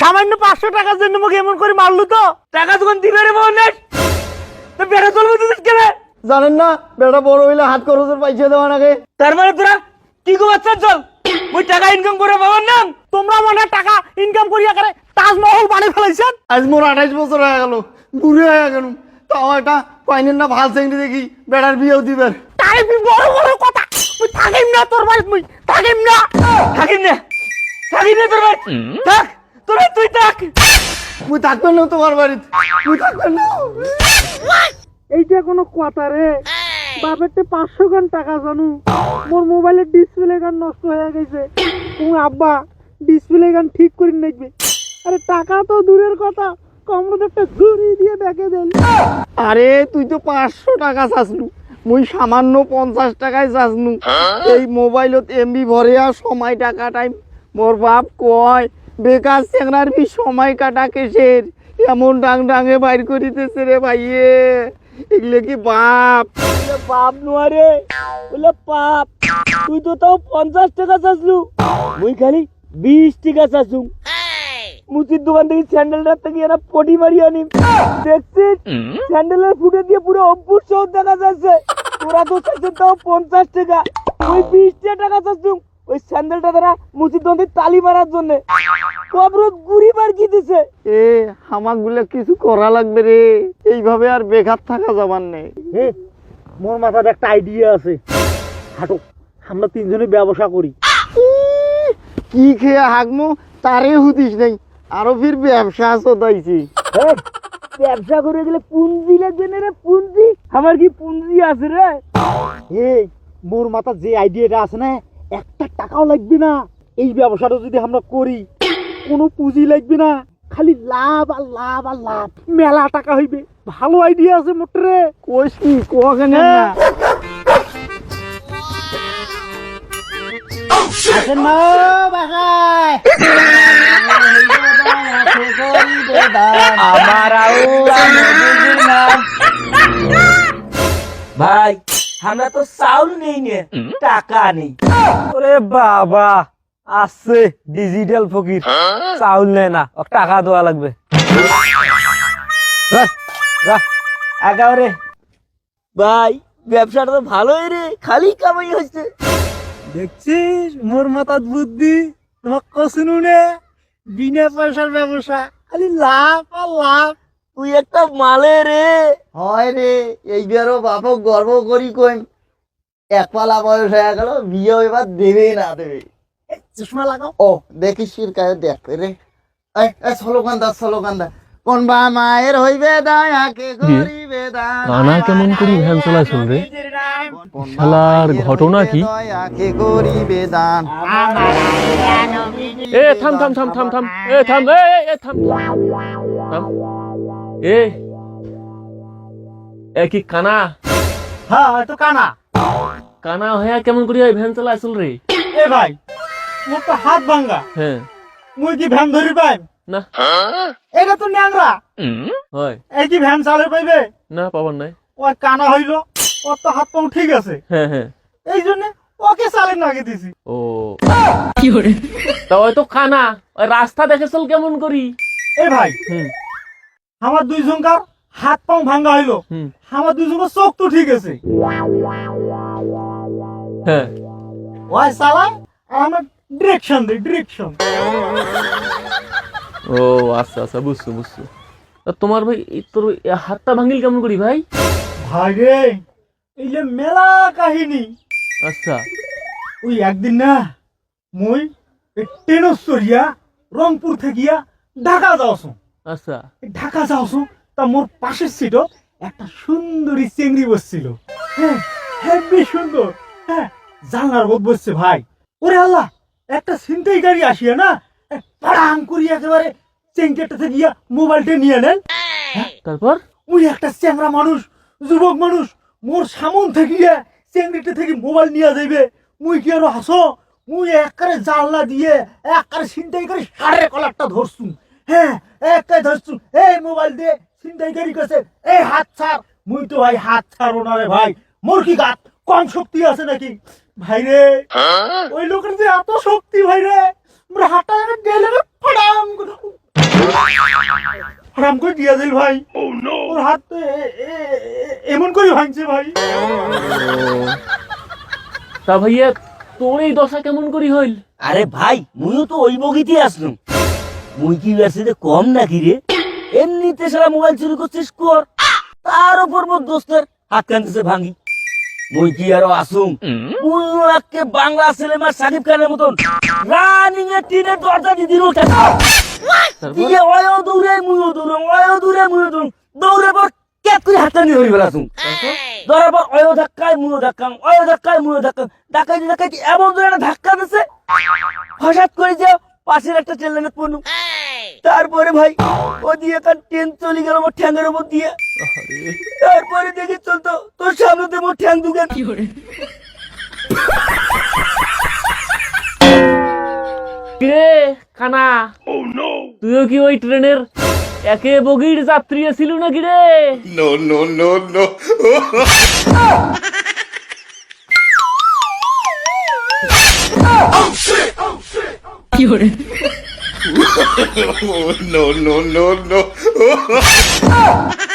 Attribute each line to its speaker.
Speaker 1: সামান্য 500 টাকার জন্য মুখ এমন করে মারলু তো টাকা যখন দিবে রে বোন তো বেড়া চলবে তুই কেন জানেন না বেড়া বড় হইলে হাত খরচের পয়সা দেওয়া নাকি তার মানে তোরা কি গো বাচ্চা চল ওই টাকা ইনকাম করে বাবার নাম তোমরা মনে টাকা ইনকাম করিয়া করে তাজমহল বানিয়ে ফেলাইছেন আজ মোর 28 বছর হয়ে গেল বুড়ি হয়ে গেল তাও একটা পাইনেন না ভাল চেংড়ি দেখি বেড়ার বিয়েও দিবেন তাই বড় বড় কথা তুই থাকিম না তোর বাড়ি তুই থাকিম না তোর বাড়ি থাক তোরা তুই থাক তুই থাকবেন না তোমার বাড়িতে তুই থাকবেন না এইটা কোনো কথা রে বাপেরতে 500 গান টাকা জানু মোর মোবাইলের ডিসপ্লে গান নষ্ট হয়ে গেছে তুমি আব্বা ডিসপ্লে গান ঠিক করে নেবে আরে টাকা তো দূরের কথা কমরতে একটা ঘুরি দিয়ে দেখে দেন আরে তুই তো 500 টাকা চাসলু মুই সামান্য 50 টাকায় চাসনু এই মোবাইলত এমবি ভরে আর সময় টাকা টাইম মোর বাপ কয় বেকার চেংড়ার বি সময় কাটা কেসের এমন ডাং ডাঙে বাইর করিতেছে রে ভাইয়ে এগুলো কি বাপ বাপ নোয়ারে বলে পাপ তুই তো তাও 50 টাকা চাসলু মুই খালি 20 টাকা চাসু মুচির দোকান থেকে স্যান্ডেলটা থেকে এরা পটি মারি আনি দেখছিস স্যান্ডেলের ফুটে দিয়ে পুরো অভ্যুর সহ দেখা যাচ্ছে তোরা তো চাইছে তাও 50 টাকা ওই 20 টাকা চাচ্ছু ওই স্যান্ডেলটা তারা মুচির দোকান থেকে তালি মারার জন্য কবরত গুড়ি বার কি দিছে এ হামাগুলো কিছু করা লাগবে রে এইভাবে আর বেকার থাকা যাবার নেই মোর মাথায় একটা আইডিয়া আছে হাঁটো আমরা তিনজনে ব্যবসা করি কি খেয়ে হাগমো তারে হুদিস নাই আরো ফির ব্যবসা চদাইছি ব্যবসা করে গেলে পুঁজি লাগবে না রে পুঁজি আমার কি পুঁজি আছে রে মোর মাথা যে আইডিয়াটা আছে না একটা টাকাও লাগবে না এই ব্যবসাটা যদি আমরা করি কোনো পুঁজি লাগবে না খালি লাভ আর লাভ আর লাভ মেলা টাকা হইবে ভালো আইডিয়া আছে মোটরে কইস কি কোয়াখানে না আসেন না বাসায় ভাই আমরা তো চাউল নেই নে টাকা নেই ওরে বাবা আছে ডিজিটাল ফকির চাউল নেই না টাকা দেওয়া লাগবে একেবারে ভাই ব্যবসাটা তো ভালোই রে খালি কামাই হচ্ছে দেখছিস মোর মাথার বুদ্ধি তোমার কসুনু নে বিনা পয়সার ব্যবসা খালি লাভ আর লাভ তুই একটা মালে রে হয় রে এইবারও বাপক গর্ব করি কই এক পালা বয়স হয়ে গেল বিয়ে এবার দেবেই না দেবে চশমা লাগাও ও দেখিস কায় দেখ রে স্লোগান কোন বা মায়ের হইবে দায়াকে করিবে দান
Speaker 2: কানা কেমন করি ভ্যান চলাইছল রে শালার ঘটনা কি
Speaker 1: করিবে দান
Speaker 2: এ থাম থাম থাম থাম থাম এ থাম এ থাম থাম এ কি কানা
Speaker 1: হ্যাঁ তো কানা
Speaker 2: কানা হইয়া কেমন করি ভ্যান চলাইছল রে
Speaker 1: এ ভাই মোর তো হাত ভাঙা
Speaker 2: হ্যাঁ
Speaker 1: মুই কি ভ্যান ধরি পাই
Speaker 2: না
Speaker 1: এটা তো ন্যাংরা
Speaker 2: হয়
Speaker 1: এই কি ভ্যান চালে পাইবে
Speaker 2: না পাবার নাই
Speaker 1: ওই কানা হইল ওর তো হাত পাও ঠিক আছে
Speaker 2: হ্যাঁ হ্যাঁ
Speaker 1: এই জন্য ওকে চালে নাগে দিছি
Speaker 2: ও কি করে তা ওই তো কানা ওই রাস্তা দেখে চল কেমন করি
Speaker 1: এ ভাই আমার দুইজনকার হাত পাও ভাঙা হইলো আমার দুইজনের চোখ তো ঠিক আছে
Speaker 2: হ্যাঁ
Speaker 1: ওই চালায় আর আমার ডিরেকশন দে ডিরেকশন
Speaker 2: ও আচ্ছা আচ্ছা বুঝছো বুঝছো তা তোমার ভাই তোর হাতটা ভাঙিল কেমন করি ভাই
Speaker 1: ভাই রে এই যে মেলা কাহিনী
Speaker 2: আচ্ছা
Speaker 1: ওই একদিন না মই ট্রেনস্তরিয়া রংপুর থেকিয়া ঢাকা যাওছো
Speaker 2: আচ্ছা
Speaker 1: ঢাকা যাওছো তা মোর পাশের সিটও একটা সুন্দরী চেংড়ি বসছিল হ্যাঁ হেব্বি সুন্দর হ্যাঁ জানলার বোধ বসছে ভাই ওরে আল্লাহ একটা ছিনতাই গাড়ি আসিয়া না পাড়াং করি একেবারে চেংকেটা থেকে গিয়া মোবাইলটা নিয়ে নেন
Speaker 2: তারপর
Speaker 1: ওই একটা চ্যাংরা মানুষ যুবক মানুষ মোর সামন থেকে গিয়া চেংড়িটা থেকে মোবাইল নিয়ে যাইবে মুই কি আরো হাসো মুই একবারে জানলা দিয়ে একবারে ছিনতাই করে সাড়ে কলারটা ধরছু হ্যাঁ একটাই ধরছু এই মোবাইল দিয়ে ছিনতাই গাড়ি কাছে এই হাত ছাড় মুই তো ভাই হাত ছাড়ো না রে ভাই মোর কি গাত কম শক্তি আছে নাকি ভাই রে ওই লোকের যে এত শক্তি ভাই রে হাঁটা গেলে ফাড়াম হারাম করে দিয়া দিল ভাই। ওর হাত তো এমন করে ভাঙছে ভাই।
Speaker 2: তা ভাইয়া তোর এই দশা কেমন করি হইল?
Speaker 3: আরে ভাই মুইও তো ওই বগিতে আসলাম। মুই কি ব্যবসাতে কম নাকি রে? এমনিতে সারা মোবাইল চুরি করছিস কর, তার উপর মোর দোস্তের হাত কানতেছে ভাঙি। মুই কি আরো আসুম? মুইও একে বাংলা সিনেমার সাকিব খানের মতন রানিং এ টিনের দরজা দিয়ে দিল টাকা দিয়ে ওয়ও দৌড়ে মুইও দৌড়ে, ওয়ও দৌড়ে মুইও দৌড়, দৌড়ে পর ক্যাপ করে হাতটা নিয়ে ধরে বেড়াছুম। ধরার পর ওয়ও ধাক্কায় মুইও ধাক্কাম, ওয়ও ধাক্কায় মুইও ধাক্কাম, ডাকাইতে ডাকাইতে এমন ধরে একটা ধাক্কা দিছে হঠাৎ করে যে পাশের একটা ট্রেনের পড়লুম। তারপরে ভাই ও দিয়ে একটা ট্রেন চলে গেল মোর ঠ্যাঙ্গের উপর দিয়ে। তারপরে দেখি চলতো তোর সামনে মোর ঠ্যাং দুগে।
Speaker 2: কিরে কানা, তুইও কি ওই ট্রেনের একে বগির যাত্রী ছিল নাকি রে?
Speaker 4: No, no, no, no. Oh, no, no, no, no.